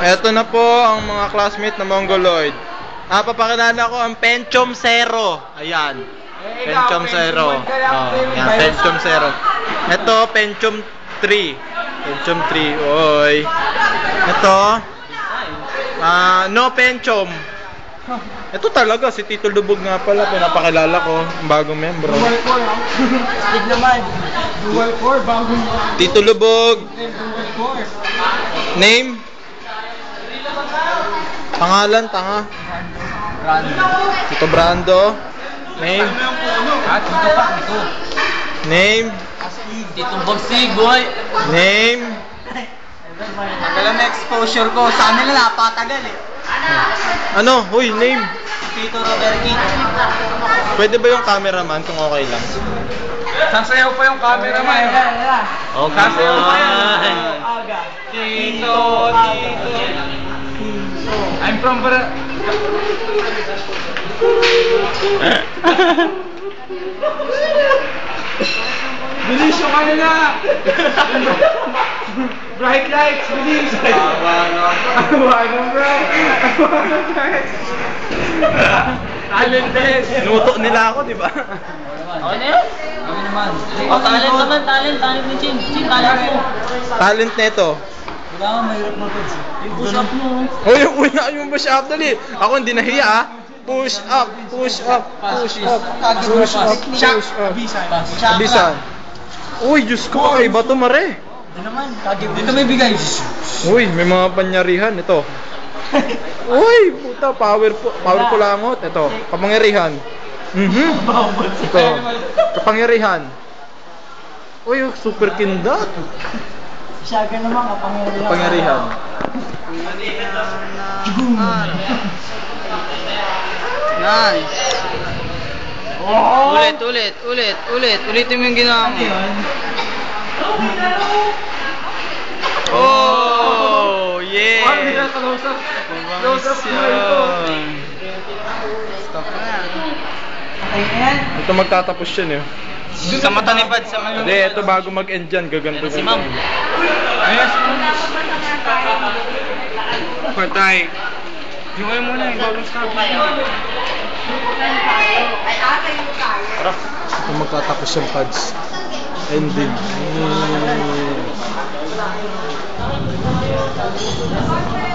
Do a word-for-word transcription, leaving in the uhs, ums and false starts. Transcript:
Eto na po ang mga classmate na Mongoloid. Ah, papakilala ko ang Pentium Zero. Ayan. Pentium Zero. Oh, yan, Pentium Zero. Ito, Pentium three. Pentium three. Oy. Ito. Ah, no Pentium. Ito talaga, si Tito Lubog nga pala. Pinapakilala ko. Ang bagong membro. Dual core, ha? Stig naman. Dual core, bagong Tito Lubog. dual core. Name? Pangalan, tanga. Brando. Tito Brando. Name? Ah, Tito pa, Tito. Name? Tito Bogsig, boy. Name? Tagal ang exposure ko. Sa kanila napatagal eh. Ano? Huy, name? Tito Roberti. Pwede ba yung cameraman kung okay lang? Sasayaw pa yung cameraman. Okay. Sasayaw pa yan. Aga. Tito, Tito. I'm from Bra... Bilis yung ano na! Bright lights, bilis! Awa ng bright! Awa ng bright! Talented! Nuto nila ako, di ba? Okay na yun? Kami naman. Oh, talent naman, talent, talent ni Chin. Chin, talent mo. Talent nito. Wala ka, mahirap mo ito. Yung push-up mo. Uy, uy, yung push up dali. Ako hindi nahiya ah. Push up, push up, push up, push up, push up. Abisan. Uy, Diyos ko, ay bato mare. Hindi naman, kagib. Dito may bigay. Uy, may mga panyarihan ito. Uy, puta, powerful, powerful langot. Ito, kapangyarihan. Mhm. Ito, kapangyarihan. Uy, super kindat. Siyaga naman, kapangyarihan. Kapangyarihan. Nice. Oh! Ulit, ulit, ulit, ulit. Ulitin mo yung ginawa mo. Oh, yeah. Ano nila close up? Close up mo ito. Stop na. Okay na yan? Ito magtatapos yan eh. Sa mata ni Bad, sa mata. Hindi, ito bago mag-end dyan, gaganto. Si Ma'am. Ayos. Patay. Jungay mo na yung bagong start. Tara, ito magtatapos yung pads. Ending. Mm.